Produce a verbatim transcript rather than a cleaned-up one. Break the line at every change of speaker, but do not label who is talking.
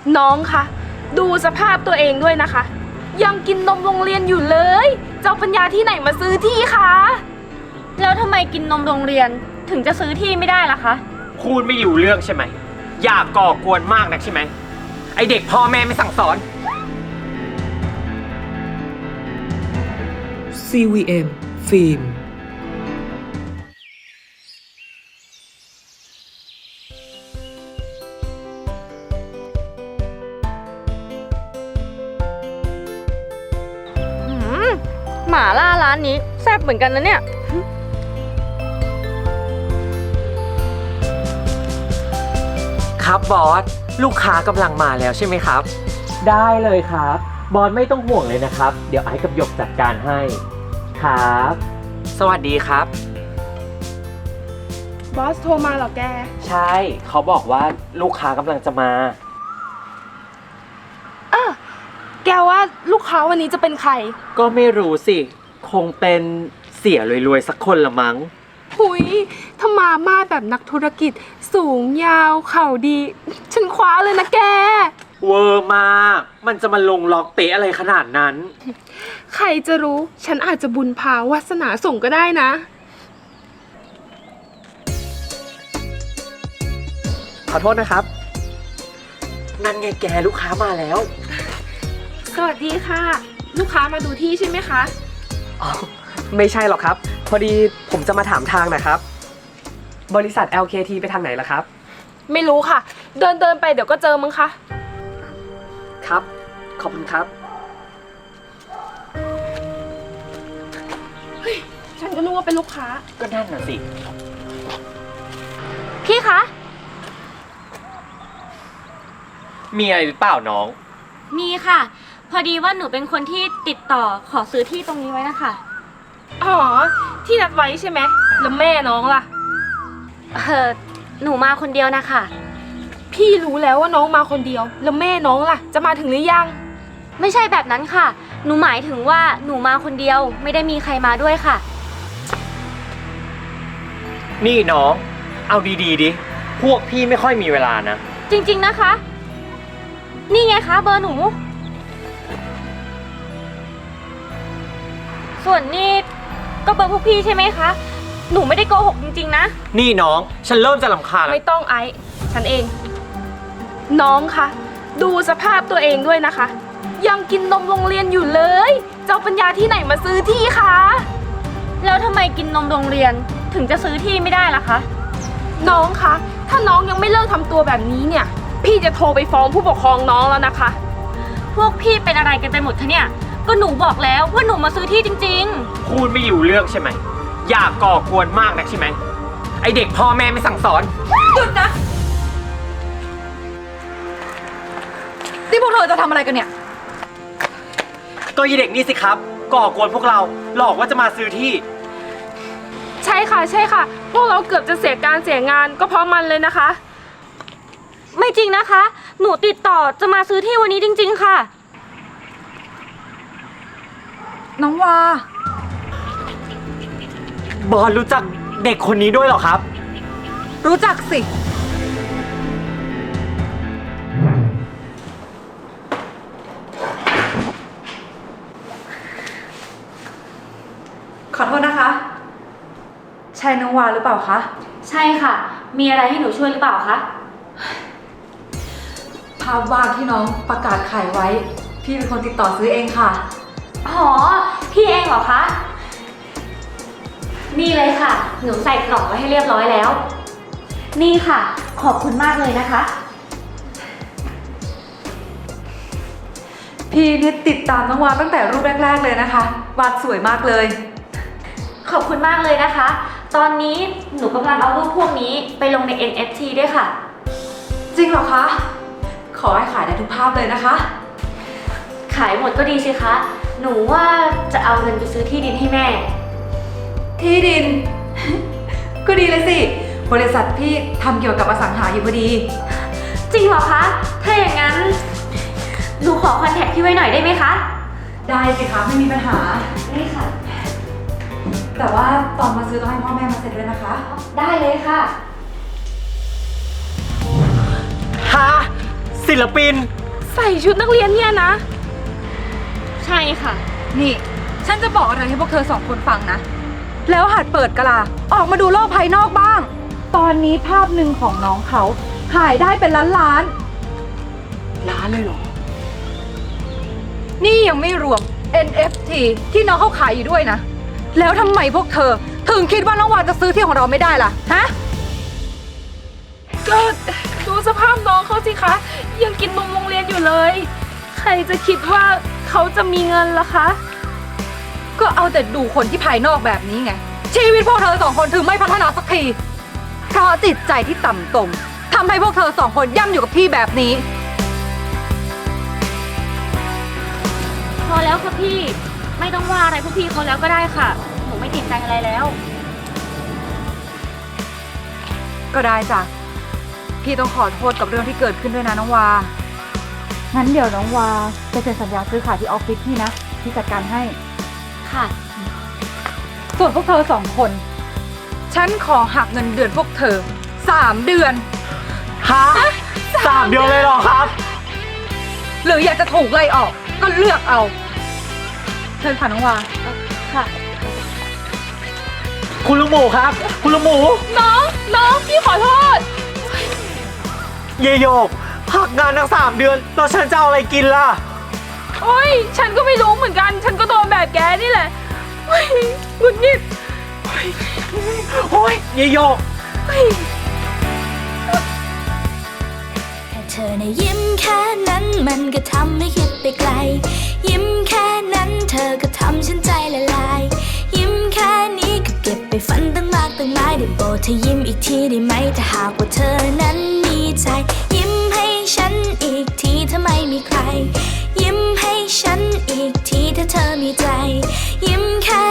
น้องคะดูสภาพตัวเองด้วยนะคะยังกินนมโรงเรียนอยู่เลยเจ้าปัญญาที่ไหนมาซื้อที่คะ
แล้วทำไมกินนมโรงเรียนถึงจะซื้อที่ไม่ได้ล่ะคะ
พูดไม่อยู่เรื่องใช่ไหมอยากก่อกวนมากนักใช่ไหมไอเด็กพ่อแม่ไม่สั่งสอน
ซี วี เอ็ม ฟิล์ม
หม่าล่าร้านนี้แซ่บเหมือนกันนะเนี่ย
ครับบอสลูกค้ากำลังมาแล้วใช่ไหมครับได้เลยครับบอสไม่ต้องห่วงเลยนะครับเดี๋ยวไอ้กับหยกจัดการให้ครับสวัสดีครับ
บอสโทรมาเหรอแก
ใช่เขาบอกว่าลูกค้ากำลังจะมา
อ่ะแกว่าลูกค้าวันนี้จะเป็นใคร
ก็ไม่รู้สิคงเป็นเสียรวยๆสักคนละมั้ง
หุยถ้ามามาแบบนักธุรกิจสูงยาวเข่าดีฉันคว้าเลยนะแก
เวอร์มากมันจะมาลงล็อกเป๊ะอะไรขนาดนั้น
ใครจะรู้ฉันอาจจะบุญพาวาสนาส่งก็ได้นะ
ขอโทษนะครับนั่นไงแกลูกค้ามาแล้ว
สวัสดีค่ะลูกค้ามาดูที่ใช่ไหมคะ
อ๋อไม่ใช่หรอกครับพอดีผมจะมาถามทางนะครับบริษัท แอล เค ที ไปทางไหนล่ะครับ
ไม่รู้ค่ะเดินเดินไปเดี๋ยวก็เจอมั้งคะ
ครับขอบคุณครับ
เฮ้ยฉันก็นึกว่าเป็นลูกค้า
ก็นั่นน่ะสิ
พี่คะ
มีอะไรหรือเปล่าน้อง
มีค่ะพอดีว่าหนูเป็นคนที่ติดต่อขอซื้อที่ตรงนี้ไว้นะคะ
อ๋อที่นัดไว้ใช่ไหมแล้วแม่น้องล่ะ
เออหนูมาคนเดียวนะคะ
พี่รู้แล้วว่าน้องมาคนเดียวแล้วแม่น้องล่ะจะมาถึงหรือยัง
ไม่ใช่แบบนั้นค่ะหนูหมายถึงว่าหนูมาคนเดียวไม่ได้มีใครมาด้วยค่ะ
นี่น้องเอาดีๆดิพวกพี่ไม่ค่อยมีเวลานะ
จริงๆนะคะนี่ไงคะเบอร์หนูส่วนนี่ก็เบอร์พวกพี่ใช่ไหมคะหนูไม่ได้โกหกจริงๆนะ
นี่น้องฉันเริ่มจะรำคาญแล้ว
ไม่ต้องไอซ์ฉันเองน้องคะดูสภาพตัวเองด้วยนะคะยังกินนมโรงเรียนอยู่เลยเจ้าปัญญาที่ไหนมาซื้อที่คะ
แล้วทำไมกินนมโรงเรียนถึงจะซื้อที่ไม่ได้ล่ะคะ
น้องคะถ้าน้องยังไม่เลิกทำตัวแบบนี้เนี่ยพี่จะโทรไปฟ้องผู้ปกครองน้องแล้วนะคะ
พวกพี่เป็นอะไรกันไปหมดคะเนี่ยก็หนูบอกแล้วว่าหนูมาซื้อที่จริง
ๆพูดไม่อยู่เรื่องใช่ไหมอยากก่อกวนมากนักใช่ไหมไอเด็กพ่อแม่ไม่สั่งสอน
หยุดนะนี่พวกเธอจะทำอะไรกันเนี่ย
ก็ยีเด็กนี่สิครับก่อกวนพวกเราหลอกว่าจะมาซื้อที่
ใช่ค่ะใช่ค่ะพวกเราเกือบจะเสียการเสียงานก็เพราะมันเลยนะคะ
ไม่จริงนะคะหนูติดต่อจะมาซื้อที่วันนี้จริงๆค่ะ
น้องวา
บอลรู้จักเด็กคนนี้ด้วยเหรอครับ
รู้จักสิขอโทษนะคะใช่น้องวาหรือเปล่าคะ
ใช่ค่ะมีอะไรให้หนูช่วยหรือเปล่าคะ
ภาพวาดที่น้องประกาศขายไว้พี่เป็นคนติดต่อซื้อเองค่ะ
อ๋อพี่เองเหรอคะนี่เลยค่ะหนูใส่กล่องไว้ให้เรียบร้อยแล้วนี่ค่ะขอบคุณมากเลยนะคะ
พี่นี่ติดตามน้องวาตั้งแต่รูปแรกๆเลยนะคะวาดสวยมากเลย
ขอบคุณมากเลยนะคะตอนนี้หนูกำลังเอารูปพวกนี้ไปลงใน เอ็น เอฟ ที ด้วยค่ะ
จริงเหรอคะขอให้ขายได้ทุกภาพเลยนะคะ
ขายหมดก็ดีสิคะหนูว่าจะเอาเงินไปซื้อที่ดินให้แม่
ที่ดิน ก็ดีเลยสิบริษัทพี่ทำเกี่ยวกับอสังหาอยู่พอดี
จริงเหรอคะถ้าอย่างนั้นหนูขอคอนแทคพี่ไว้หน่อยได้ไหมคะ
ได้สิคะไม่มีปัญหา
นี่ค่ะ
แต่ว่าตอนมาซื้อต้องให้พ่อแม่มาเซ็นด้วยนะคะ
ได้เลยค่ะ
ฮะ ซีศิลปิน
ใส่ชุดนักเรียนเนี่ยนะ
ใช่ค่ะ
นี่ ฉันจะบอกอะไรให้พวกเธอสองคนฟังนะ แล้วหัดเปิดกะลา ออกมาดูโลกภายนอกบ้าง ตอนนี้ภาพหนึ่งของน้องเขาขายได้เป็นล้านล้าน
ร้านเลยเหรอ
นี่ยังไม่รวม เอ็น เอฟ ที ที่น้องเขาขายอยู่ด้วยนะ แล้วทำไมพวกเธอ ถึงคิดว่าน้องวาจะซื้อที่ของเราไม่ได้ล่ะ ฮะ
ก็ดูสภาพน้องเขาสิคะ ยังกินนมโรงเรียนอยู่เลย ใครจะคิดว่าเขาจะมีเงินล่ะคะ
ก็เอาแต่ดูคนที่ภายนอกแบบนี้ไง ชีวิตพวกเธอสองคนถึงไม่พัฒนาสักที เพราะจิตใจที่ต่ำตมทำให้พวกเธอสองคนย่ำอยู่กับที่แบบนี้
พอแล้วค่ะพี่ ไม่ต้องว่าอะไรพวกพี่เขาแล้วก็ได้ค่ะ หนูไม่ติดใจอะไรแล้ว
ก็ได้จ้ะ พี่ต้องขอโทษกับเรื่องที่เกิดขึ้นด้วยนะน้องวา งั้นเดี๋ยวน้องวาจะเซ็นสัญญาซื้อขายที่ออฟฟิศพี่นะ พี่จัดการให้
ค่ะ
ส่วนพวกเธอสองคน ฉันขอหักเงินเดือนพวกเธอสามเดือน
ฮะสามเดือนเลยเหรอครับ
หรืออยากจะถูกไล่ออก ก็เลือกเอา เชิญค่ะน้องวา
ค่ะ
คุณลุงหมูครับ คุณลุงหมู
น้อง น้อง พี่ขอโทษ
เยโยกหักงานทั้งสามเดือนแล้วฉันจะเอาอะไรกินล่ะ
โอ้ย ฉันก็ไม่รู้เหมือนกัน ฉันก็โดนแบบแกนี่แหละโอ้ยหงุดหงิด
โอ้ยเยโยก
เฮ้ย
แค่เธอในะยิ้มแค่นั้นมันก็ทำให้คิดไปไกล ยิ้มแค่นั้นเธอก็ทำฉันใจละลาย ยิ้มแค่นี้ก็เก็บไปฝันตั้งมากตั้งหลายได้โปรดเธอยิ้มอีกทีได้ไหมถ้าหากว่าเธอนั้นมีใจ ยิ้มให้ฉันอีกทีถ้าไม่มีใคร ยิ้มให้ฉันอีกทีถ้าเธอมีใจ ยิ้มแค่